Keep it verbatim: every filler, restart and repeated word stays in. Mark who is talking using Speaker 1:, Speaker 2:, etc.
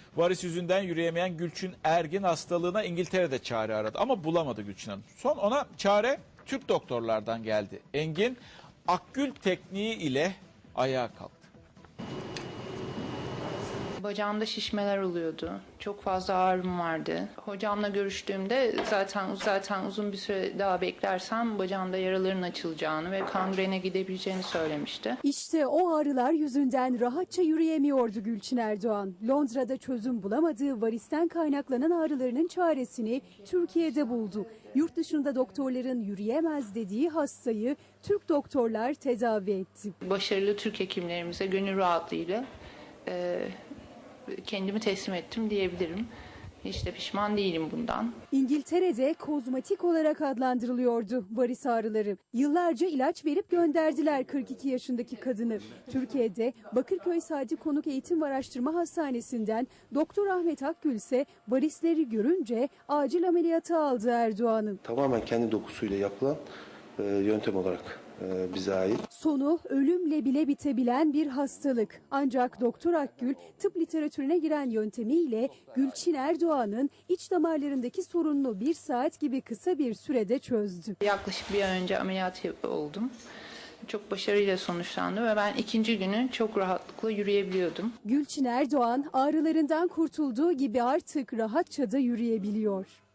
Speaker 1: Varis yüzünden yürüyemeyen Gülçin Ergin hastalığına İngiltere'de çare aradı ama bulamadı Gülçin Hanım. Son ona çare Türk doktorlardan geldi. Engin akgül tekniği ile ayağa kalktı.
Speaker 2: Bacağımda şişmeler oluyordu. Çok fazla ağrım vardı. Hocamla görüştüğümde zaten zaten uzun bir süre daha beklersem bacağımda yaraların açılacağını ve kangrene gidebileceğini söylemişti.
Speaker 3: İşte o ağrılar yüzünden rahatça yürüyemiyordu Gülçin Erdoğan. Londra'da çözüm bulamadığı varisten kaynaklanan ağrılarının çaresini Türkiye'de buldu. Yurt dışında doktorların yürüyemez dediği hastayı Türk doktorlar tedavi etti.
Speaker 2: Başarılı Türk hekimlerimize gönül rahatlığıyla e, kendimi teslim ettim diyebilirim. Hiç de pişman değilim bundan.
Speaker 3: İngiltere'de kozmetik olarak adlandırılıyordu varis ağrıları. Yıllarca ilaç verip gönderdiler kırk iki yaşındaki kadını. Türkiye'de Bakırköy Sadi Konuk Eğitim ve Araştırma Hastanesi'nden Doktor Ahmet Akgül ise varisleri görünce acil ameliyata aldı Erdoğan'ın.
Speaker 4: Tamamen kendi dokusuyla yapılan e, yöntem olarak e, bize ait.
Speaker 3: Sonu ölümle bile bitebilen bir hastalık. Ancak Doktor Akgül tıp literatürüne giren yöntemiyle Gülçin Erdoğan'ın iç damarlarındaki sorununu bir saat gibi kısa bir sürede çözdü.
Speaker 2: Yaklaşık bir ay önce ameliyat oldum. Çok başarıyla sonuçlandı ve ben ikinci günü çok rahatlıkla yürüyebiliyordum.
Speaker 3: Gülçin Erdoğan ağrılarından kurtulduğu gibi artık rahatça da yürüyebiliyor.